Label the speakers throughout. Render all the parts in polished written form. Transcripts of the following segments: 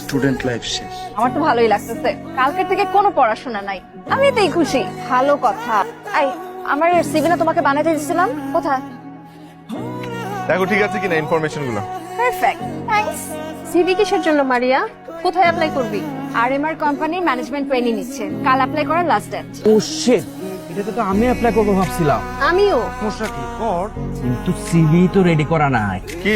Speaker 1: Student life শেষ।
Speaker 2: আমার তো ভালোই লাগতেছে, কালকের থেকে কোনো পড়াশোনা নাই, আমি এতেই খুশি। ভালো কথা। আই আমার সিভিটা তোমাকে বানাতে দিছিলাম, কোথায়?
Speaker 3: দেখো ঠিক আছে কিনা ইনফরমেশন গুলো।
Speaker 2: Perfect, thanks.
Speaker 4: সিভি কিসের জন্য মারিয়া? কোথায় অ্যাপ্লাই করবি?
Speaker 2: আরএমআর কোম্পানির ম্যানেজমেন্ট ট্রেনিং নিচ্ছে, কাল অ্যাপ্লাই করার লাস্ট ডেট।
Speaker 5: ও শিট, এটা তো আমি অ্যাপ্লাই করবো ভাবছিলাম।
Speaker 4: আমিও।
Speaker 5: সমস্যা কি কর, কিন্তু সিভি তো রেডি করা নাই।
Speaker 3: কি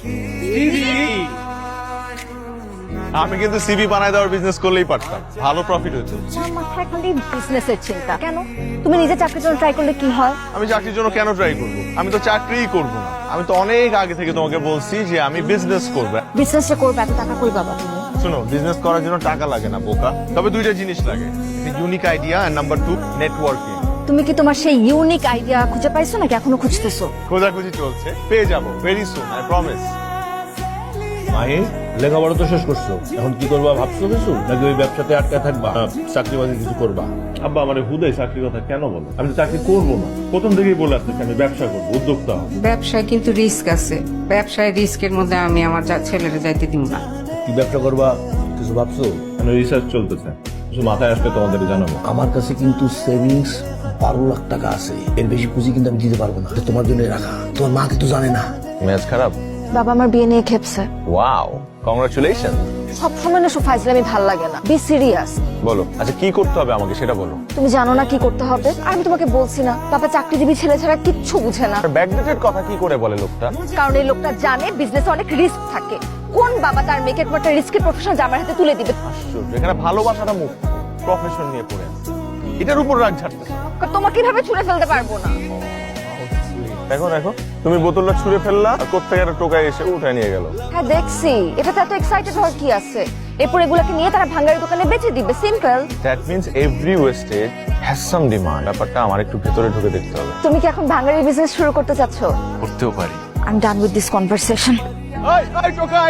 Speaker 3: আমি কিন্তু সিভি বানায় দেওয়ার বিজনেস করলেই পারতাম, ভালো প্রফিট হতো।
Speaker 2: আমার মাথায় খালি বিজনেসের চিন্তা। কেন? তুমি নিজে চাকরির জন্য ট্রাই করলে কি হয়?
Speaker 3: আমি চাকরির জন্য কেন ট্রাই করব? আমি তো চাকরিই করব না। আমি তো অনেক আগে থেকে তোমাকে বলছি যে আমি বিজনেস করব।
Speaker 2: বিজনেসটা করবে, এত টাকা কই পাবা তুমি?
Speaker 3: শোনো, বিজনেস করার জন্য টাকা লাগে না বোকা, তবে দুইটা জিনিস লাগে, ইউনিক আইডিয়া আর নাম্বার 2 নেটওয়ার্কিং।
Speaker 2: তুমি কি তোমার সেই ইউনিক আইডিয়া খুঁজে পাইছো নাকি এখনো খুঁজতেছো?
Speaker 3: খোঁজাখুঁজি চলছে, পেয়ে যাবো very soon, I promise.
Speaker 6: Mahi, লেখাপড়া তো শেষ করছো, এখন কি করবা ভাবছো কিছু, নাকি ওই ব্যবসাতে আটকা থাকবা, চাকরি বাকরি কিছু করবা?
Speaker 7: আব্বা মানে হুদাই চাকরির কথা কেন বলো? আমি তো চাকরি করবো না, প্রথম থেকেই বলে আসতেছি আমি ব্যবসা করবো, উদ্যোক্তা হবো।
Speaker 8: ব্যবসায় কিন্তু রিস্ক আছে, ব্যবসায় রিস্কের মধ্যে আমি আমার ছেলেরা যাইতে দিব না।
Speaker 6: কি ব্যবসা করবা কিছু ভাবছো?
Speaker 7: মানে রিসার্চ চলতেছে, কিছু মাথায় আসলে তোমাদের জানাবো।
Speaker 6: আমার কাছে কিন্তু সেভিংস 12 লাখ টাকা আছে, এর বেশি পুঁজি কিন্তু আমি দিতে পারবো না, তোমার জন্য রাখা। তোমার মা কিন্তু জানে না।
Speaker 3: ম্যাচ খারাপ?
Speaker 2: বাবা আমার বিয়ে নিয়ে খেপছে।
Speaker 3: Wow, congratulation.
Speaker 2: সবসময় না ফাইজলামি ভাল লাগে না, বি সিরিয়াস।
Speaker 3: বলো, আচ্ছা কি করতে হবে আমাকে সেটা বলো।
Speaker 2: তুমি জানো না কি করতে হবে? আর আমি তোমাকে বলছি না, বাবা চাকরিজীবী ছেলে ছাড়া কিচ্ছু বুঝে না।
Speaker 3: ব্যাকডেটেড কথা কি করে বলে লোকটা?
Speaker 2: কারণ এই লোকটা জানে বিজনেসে অনেক রিস্ক থাকে। কোন বাবা তার মেয়েকে একটা রিস্কের প্রফেশন জামার হাতে তুলে দিবে?
Speaker 3: আশ্চর্য, এখানে ভালোবাসাটা মুখ, প্রফেশন নিয়ে পড়ে আছে। এটার উপর রাগ ঝাড়তেছে।
Speaker 2: তোমাকে কিভাবে ছুঁড়ে ফেলতে পারবো না।
Speaker 3: দেখো দেখো, তুমি বোতলটা ছুঁড়ে ফেললা, আর কোত্থেকে একটা টোকায় এসে উঠায় নিয়ে গেল।
Speaker 2: হ্যাঁ দেখছি, এটাতে এত এক্সাইটেড হওয়ার কি আছে? এরপর এগুলোকে নিয়ে তারা ভাঙ্গারি দোকানে বেচে দিবে, simple.
Speaker 3: That means every wastage has some demand. ব্যাপারটা আমার একটু ভেতরে ঢুকে দেখতে হবে।
Speaker 2: তুমি কি এখন ভাঙ্গারি বিজনেস শুরু করতে চাচ্ছ?
Speaker 3: করতেও পারি।
Speaker 2: I am done with this conversation.
Speaker 3: এই টোকাই।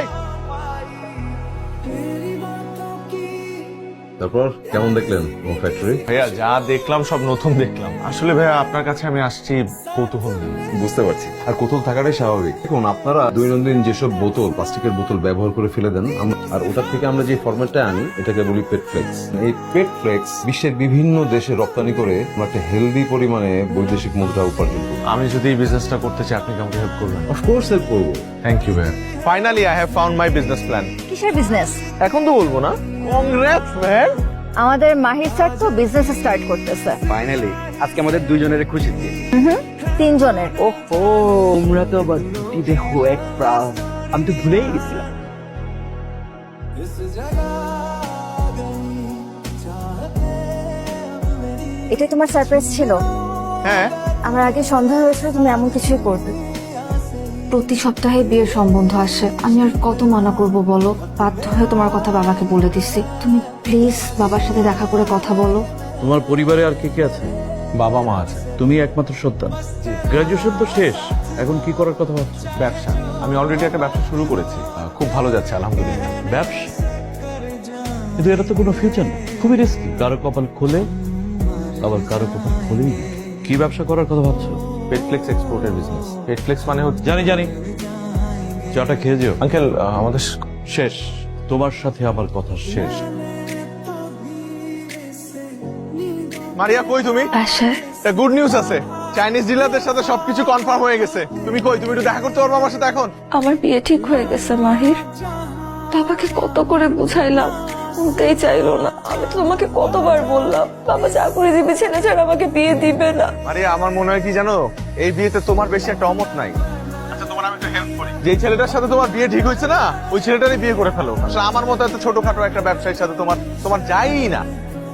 Speaker 9: তারপর কেমন দেখলেন ফ্যাক্টরি?
Speaker 3: ভাইয়া যা দেখলাম সব নতুন দেখলাম। আসলে ভাইয়া আপনার কাছে আমি আসছি কৌতূহল নিয়ে।
Speaker 9: বুঝতে পারছি, আর কৌতূহল থাকাটাই স্বাভাবিক। দেখুন, আপনারা দৈনন্দিন যেসব বোতল, প্লাস্টিকের বোতল ব্যবহার করে ফেলে দেন, আর ওটার থেকে আমরা যে ফরম্যাটটা আনি এটাকে বলি পেট ফ্লেক্স। এই পেট ফ্লেক্স বিশ্বের বিভিন্ন দেশে রপ্তানি করে আমরা একটা হেলদি পরিমাণে বৈদেশিক মুদ্রা উপার্জন করি।
Speaker 3: আমি যদি এই বিজনেসটা করতে চাই, আপনি কি আমাকে হেল্প করবেন?
Speaker 9: অফকোর্স হেল্প করবো।
Speaker 3: থ্যাংক ইউ ভাইয়া। Finally I have found my business plan.
Speaker 2: কিসের বিজনেস?
Speaker 3: এখন তো বলবো না। Congrats man.
Speaker 2: আমাদের মাহির স্যার তো বিজনেস স্টার্ট করতেছে।
Speaker 5: ফাইনালি আজকে আমাদের দুইজনের খুশি দিয়ে।
Speaker 2: তিনজনের।
Speaker 5: ওহো, তোমরা তো আবার দুটি দেখো এক প্রাণ, আমি তো ভুলেই গেছিলাম।
Speaker 2: এটাই তোমার সারপ্রাইজ ছিল?
Speaker 3: হ্যাঁ,
Speaker 2: আমার আগে সন্দেহ হয়েছিল তুমি এমন কিছুই করবে। প্রতি সপ্তাহে বিয়ের সম্বন্ধ আসে, আমি আর কত মানা করব বলো? বাধ্য হয়ে তোমার কথা বাবাকে বলে দিচ্ছি। তুমি প্লিজ বাবার সাথে দেখা করে কথা বলো।
Speaker 9: তোমার পরিবারে আর কে কে আছে?
Speaker 3: বাবা মা আছে।
Speaker 9: তুমি একমাত্র সন্তান, গ্রাজুয়েশন তো শেষ, এখন কি করার কথা ভাবছো?
Speaker 3: ব্যবসা, আমি অলরেডি একটা ব্যবসা শুরু করেছি, খুব ভালো যাচ্ছে আলহামদুলিল্লাহ।
Speaker 9: ব্যবসা? কিন্তু এটা তো কোনো ফিউচার না, খুবই রিস্কি। কারো কপাল খোলে, আবার কারো কপাল খোলেই না। কি ব্যবসা করার কথা ভাবছো?
Speaker 3: পেটফ্লেক্স এক্সপোর্টের বিজনেস। পেটফ্লেক্স মানে হচ্ছে,
Speaker 9: জানি জানি, চাটা খেয়ে যেও।
Speaker 3: আঙ্কেল আমাদের
Speaker 9: শেষ, তোমার সাথে আমার কথা শেষ।
Speaker 3: মারিয়া কই তুমি?
Speaker 2: বাসায়।
Speaker 3: গুড নিউজ আছে, চাইনিজ ডিলারদের সাথে সবকিছু কনফার্ম হয়ে গেছে। তুমি কই? তুমি একটু দেখা করতে পারবে আমার সাথে এখন?
Speaker 4: আমার বিয়ে ঠিক হয়ে গেছে মাহির। বাবাকে কত করে বুঝাইলাম, শুনতেই চাইলো না। আমি তো তোমাকে কতবার বললাম বাবা চাকরি দিবে, ছেলে ছাড়া আমাকে বিয়ে দিবে না।
Speaker 3: মারিয়া আমার মনে হয় কি জানো, এই বিয়েতে তোমার বেশি একটা অমত নাই। আচ্ছা তোমার আমি একটু হেল্প করি। যে ছেলেটার সাথে তোমার বিয়ে ঠিক হয়েছে না, ওই ছেলেটারই বিয়ে করে ফেলো। আসলে আমার মতো এত ছোটখাটো একটা ব্যবসায়ীর সাথে তোমার যাই না।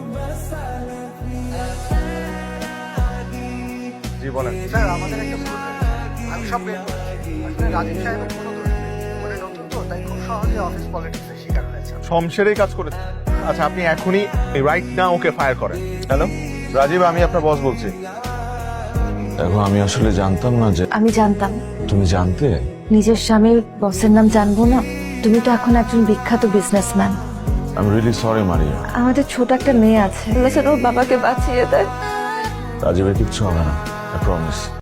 Speaker 3: জি বলেন।
Speaker 1: স্যার আমাদের একটা আমি সব বের করেছি। আসলে রাজীব সাহেবের কোনো দোষ নেই, মানে নতুন তো, তাই খুব সহজে অফিস পলিটিক্সের শিকার হয়েছে।
Speaker 3: শমশেরই কাজ করেছে। আচ্ছা আপনি এখনই রাইট না ওকে ফায়ার করেন। হ্যালো রাজীব, আমি আপনার বস বলছি। দেখো আমি আসলে জানতাম না যে।
Speaker 2: আমি জানতাম।
Speaker 3: তুমি জানতে?
Speaker 2: নিজের স্বামীর বসের নাম জানবো না? তুমি তো এখন একজন বিখ্যাত businessman.
Speaker 3: I am really sorry Maria.
Speaker 2: আমাদের ছোট একটা মেয়ে আছে,
Speaker 4: বলেছেন ওর বাবাকে বাঁচিয়ে দেয়।
Speaker 3: রাজীবের কিচ্ছু হবে না, আই প্রমিস।